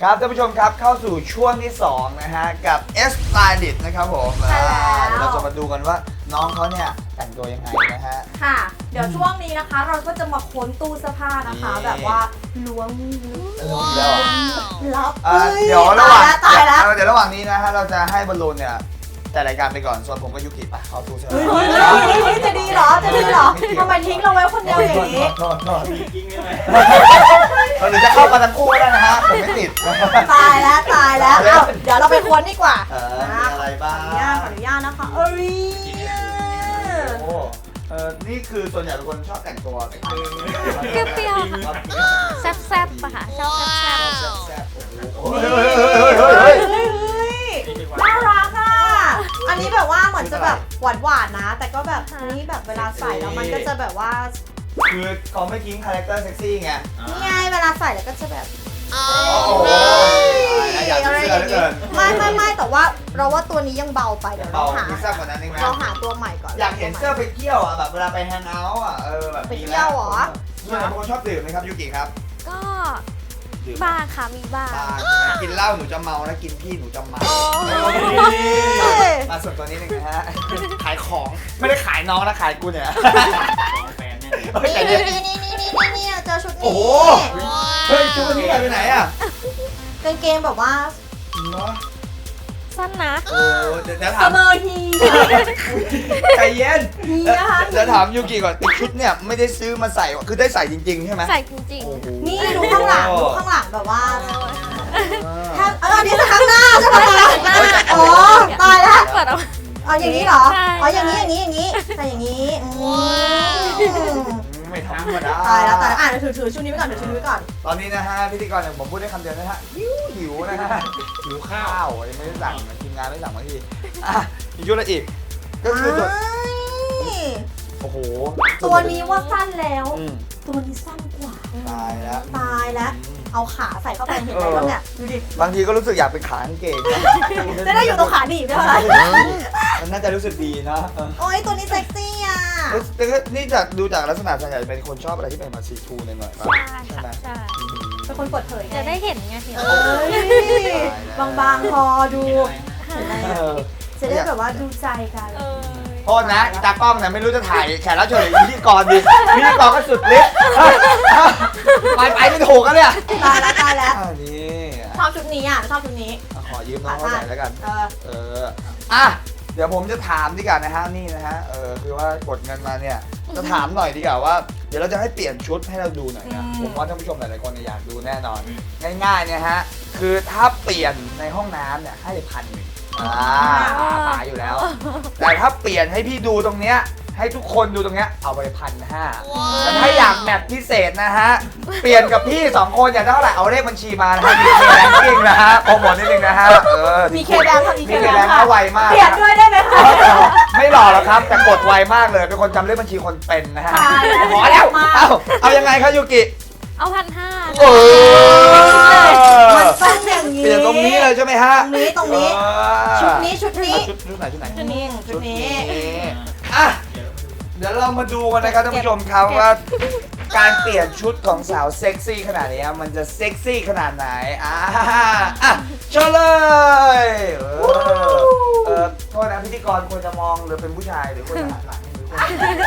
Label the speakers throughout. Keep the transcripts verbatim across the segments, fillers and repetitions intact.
Speaker 1: ครับท่านผู้ชมครับเข้าสู่ช่วงที่สองนะฮะกับ S Stylist นะครับผม
Speaker 2: ใช่แล้ว
Speaker 1: เราจะมาดูกันว่าน้องเขาเนี่ยแต่งตัวยังไงนะฮะ
Speaker 2: ค่ะ เดี๋ยวช่วงนี้นะคะ เราก็จะมาค้นตู้เสื้อผ้านะคะ
Speaker 1: นี่
Speaker 2: แบบว่าล้วงลึก
Speaker 1: เริ่มแล้วอ่ะ
Speaker 2: ลับ
Speaker 1: เอ่อ
Speaker 2: อ้
Speaker 1: เดี๋ยวระหว่าง
Speaker 2: ตายแล้ว
Speaker 1: เดี๋ยวระหว่างนี้นะฮะเราจะให้บอลลูนเนี่ยแต่รายการไปก่อนส่วนผมกับยุกิไปเข้าตู้เสื้อ
Speaker 2: เฮ้ย
Speaker 1: ผ้า
Speaker 2: เฮ้ยเฮ้ยเฮ้ยจะดีเหรอ จะดีเหรอทำไมทิ้งเราไว้คนเดียวอย่างนี้
Speaker 1: โทษโทษหรือจะเข้ามาทั้งคู่ก็ได้นะฮะผมไม่ติด
Speaker 2: ตายแล้วตายแล้วเอ้าเดี๋ยวเราไปค้นดีกว่า
Speaker 1: เออมีอะไรบ้าง
Speaker 2: ขออนุญาตขออนุญาตนะคะเอ้ย
Speaker 1: โอ้เออนี่คือส่วนใหญ่เป็นคนชอบแต่งตัวแต่งตัว
Speaker 3: เปรี้ยวๆค่ะแซ่บๆปะค่ะชอบแซ่บ
Speaker 1: แซ่บๆโอ้
Speaker 2: นี่
Speaker 1: โห
Speaker 2: เฮ้
Speaker 1: เฮ้
Speaker 2: ย
Speaker 1: ย
Speaker 2: เฮ้
Speaker 1: เฮ้
Speaker 2: ย
Speaker 1: ย
Speaker 2: เฮ้ยน่ารักอ่ะ อันนี้แบบว่าเหมือนจะแบบหวานหวานๆนะ แต่ก็แบบนี้แบบเวลาใส่แล้วมันก็จะแบบว่า
Speaker 1: คือเขาไม่ทิ้งคาแรคเตอร์เซ็กซี่ไง
Speaker 2: นี่ไงเวลาใส่แล้วก็จะแบบ
Speaker 1: โอ้โหอยากจะ
Speaker 2: อะไร
Speaker 1: เสื้
Speaker 2: อ
Speaker 1: อย่าง เหลือเกิน
Speaker 2: ไม่ไม่ไม่แต่ว่าเราว่าตัวนี้ยังเบาไปเดี๋ยว
Speaker 1: เบา
Speaker 2: เราหา
Speaker 1: พิซซ่ากว่านั้นเองไหม
Speaker 2: เราหาตัวใหม่ก่อน
Speaker 1: อยากเห็นเสื้อไปเที่ยวอ่ะแบบเวลาไปแฮงเอาท์อ่ะเออแบบ
Speaker 2: ไปเที่ยวเหรอ
Speaker 1: ส่วนใหญ่เป็นคนชอบดื่มไหมครับยูกิครับ
Speaker 3: ๆก็
Speaker 1: ดื่ม
Speaker 3: บ้างค่ะมีบ้าง
Speaker 1: บางใช่ไหมกินเหล้าหนูจะเมานะกินพี่หนูจะเมา
Speaker 3: โอ้
Speaker 1: มาส่วนตัวนี้หนึ่งนะฮะขายของไม่ได้ขายน้องนะขายกูเนี่ยเฮ้ย
Speaker 2: นี่
Speaker 1: แต่เนี่ย
Speaker 2: นี่นี่นี่นี่นี่เจอชุดนี้
Speaker 1: โอ้โห เฮ้ยชุดนี้ไปไหนอ่ะ
Speaker 2: กางเกงแบบว่า
Speaker 1: เนาะ
Speaker 3: สั้นนะ
Speaker 1: โอ้เดี๋ยวเดี๋ยว
Speaker 2: เส
Speaker 1: ถาม
Speaker 2: มอฮี
Speaker 1: ใจเย็น
Speaker 2: ฮีนะคะ
Speaker 1: เดี๋ยวถามยูกิก่อนติดชุดเนี่ยไม่ได้ซื้อมาใส่คือได้ใส่จริงๆใช่ไหม
Speaker 3: ใส่จริง
Speaker 1: โอ้โห
Speaker 2: นี่ดูข้างหลังดูข้างหลังแบบว่า
Speaker 1: เออ
Speaker 2: ถ้าเอออันนี้จะข้างหน้าใช่ไหมอ๋อตายแล้ว
Speaker 3: ๆเปิดเอา
Speaker 2: อ๋ออย่างนี้เหรอ
Speaker 3: ใช่
Speaker 2: อ๋ออย่างนี้อย่างนี้อย่างนี้ใส่อย่างนี้อืม
Speaker 1: ไม่ธรรมดา
Speaker 2: ตายแล้วตายแล้วอ่ะเดี๋ยวถือถือชุดนี้ไว้ก่อนถือชุดนี้ไว้ก่อน
Speaker 1: ตอนนี้นะฮะพิธีกรอย่างผมพูดได้คำเดียวนะฮะหิวหิวนะฮะหิวข้าวยังไม่ได้สั่งทีมงานไม่สั่งมาทีอ่ะอีกชุดละอีกก็คือส่วน
Speaker 2: นี่
Speaker 1: โอ้โห
Speaker 2: ตัวนี้ว่าสั้นแล้ว
Speaker 1: อืม
Speaker 2: ตัวนี้สั้นกว่า
Speaker 1: ตายแล้ว
Speaker 2: ตายแล้ว เอาขาใส่เข้าไปเห็นไหมบ้างเนี่ยดูดิ
Speaker 1: บางทีก็รู้สึกอยากเป็นขากางเกงนะ
Speaker 2: จะได้อยู่ตรงขาหนีบด้วยเหรอ
Speaker 1: มันน่าจะรู้สึกดีนะเออ
Speaker 2: โอ้ยตัวนี้เซ็กซี่อ่ะ
Speaker 1: แต่ก็นี่จากดูจากลักษณะส่วนใหญ่เป็นคนชอบอะไรที่เป็นมาซีทูหน่อยๆป่ะ
Speaker 3: ใช่
Speaker 1: ใช่ไหม
Speaker 3: ค่ะใช่
Speaker 2: เป็นคนเปิดเผยไง
Speaker 3: จะได้เห็นไงเห็น
Speaker 2: เอ้ยบางๆพอดูเห็นไหม
Speaker 1: เออ
Speaker 2: จะได้แบบว่าดูใจกัน
Speaker 3: เออ
Speaker 1: โทษนะอีตากล้องเนี่ยไม่รู้จะถ่ายแขกรับเชิญหรือพิธีกรดีพิธีกรก็สุดฤทธิ์ไปไปไม่ถูกกันเลยอ่ะ
Speaker 2: ตายแล้วตายแล้ว
Speaker 1: อ่านี่
Speaker 2: ชอบชุดนี้อ่ะชอบชุดนี้
Speaker 1: อ่ะขอยืมน้องเขาหน่อยแล้วกัน
Speaker 2: เออ
Speaker 1: เออ อ่ะ เดี๋ยวผมจะถามดีกว่านะฮะ นี่นะฮะ เออ คือว่ากดเงินมาเนี่ย จะถามหน่อยดีกว่าว่า เดี๋ยวเราจะให้เปลี่ยนชุดให้เราดูหน่อยนะ ผมว่าท่านผู้ชมหลายๆคนเนี่ยอยากดูแน่นอน ง่ายๆเนี่ยฮะ คือถ้าเปลี่ยนในห้องน้ำเนี่ยให้พันหนึ่งอ่าตายอยู่แล้ว แต่ถ้าเปลี่ยนให้พี่ดูตรงเนี้ย ให้ทุกคนดูตรงเนี้ย เอาไปพันห้าแต่ถ้าอยากแมทพิเศษนะฮะ เปลี่ยนกับพี่สองคนอยากได้เท่าไหร่เอาเลขบัญชีมานะฮะมีเคแบงกิ้งนะฮะโปรโมทนิดนึงนะฮะ เออ
Speaker 2: มีเคแบงค์ค่ะมี
Speaker 1: มี
Speaker 2: เค
Speaker 1: เค
Speaker 2: แบ
Speaker 1: แบ
Speaker 2: ง
Speaker 1: ง
Speaker 2: ค์
Speaker 1: ค์
Speaker 2: ค่ะ
Speaker 1: เขาไวมาก
Speaker 2: เปลี่ยนด้วยได้ไหมคะ
Speaker 1: ไม่หล่อหรอกครับ แต่กดไวมากเลย เป็นคนจำเลขบัญชีคนเป็นนะฮะ
Speaker 2: ตายแล้ว
Speaker 1: ขอแล้ว เอาเอายังไงครับยูกิ
Speaker 3: เอาพันห้า
Speaker 1: โอ้
Speaker 2: มันต้องอย่างนี้
Speaker 1: เปลี่ยนตรงนี้เลยใช่ไหมฮะ
Speaker 2: ตรงนี้ตรงนี้
Speaker 1: เออ
Speaker 2: ชุดนี้ชุดนี้
Speaker 1: ชุดชุดไหนชุดไหน
Speaker 2: ชุดนี้ชุดนี้
Speaker 1: อ่ะเดี๋ยวเรามาดูกันนะครับท่านผู้ชมครับว่า การเปลี่ยนชุดของสาวเซ็กซี่ขนาดนี้มันจะเซ็กซี่ขนาดไหนอ่าอ่ะเชิญเลยเออเออโทษนะพิธีกรควรจะมองหรือเป็นผู้ชายหรือควรจะหันหลังหรือควรจะ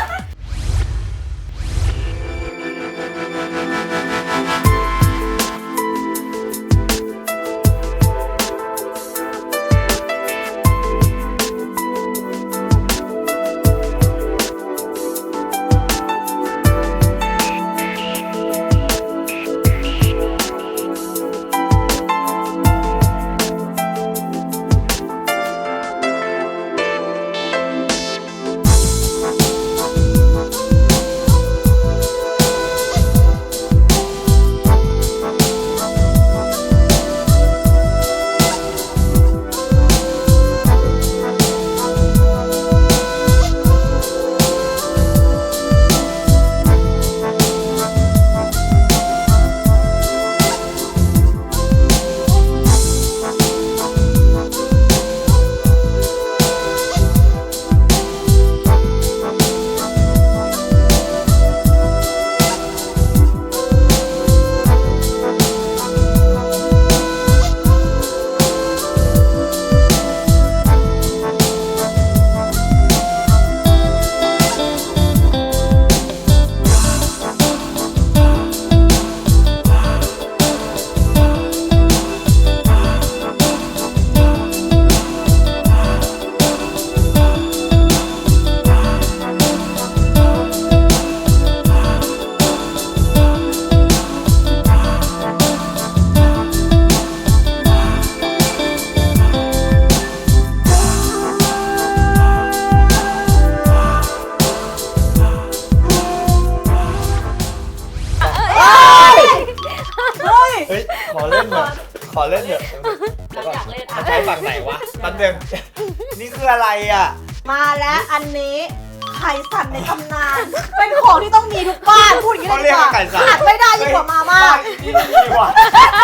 Speaker 1: ขอเล่นเถอะขอเล่นเถอะ
Speaker 4: เราอยากเล่น
Speaker 1: มั
Speaker 4: อ่ะ
Speaker 1: นใช้ฝั่งไหนวะแป๊บนึงนี่คืออะไรอ่ะ
Speaker 2: มาแล้วอันนี้ไข่สั่นในตำนาน เป็นของที่ต้องมีทุกบ้านพูดอย่างนี้เลยดีกว่าขาดไม่ได้ยิ่งกว่ามาม่า
Speaker 1: นี่ดีกว่า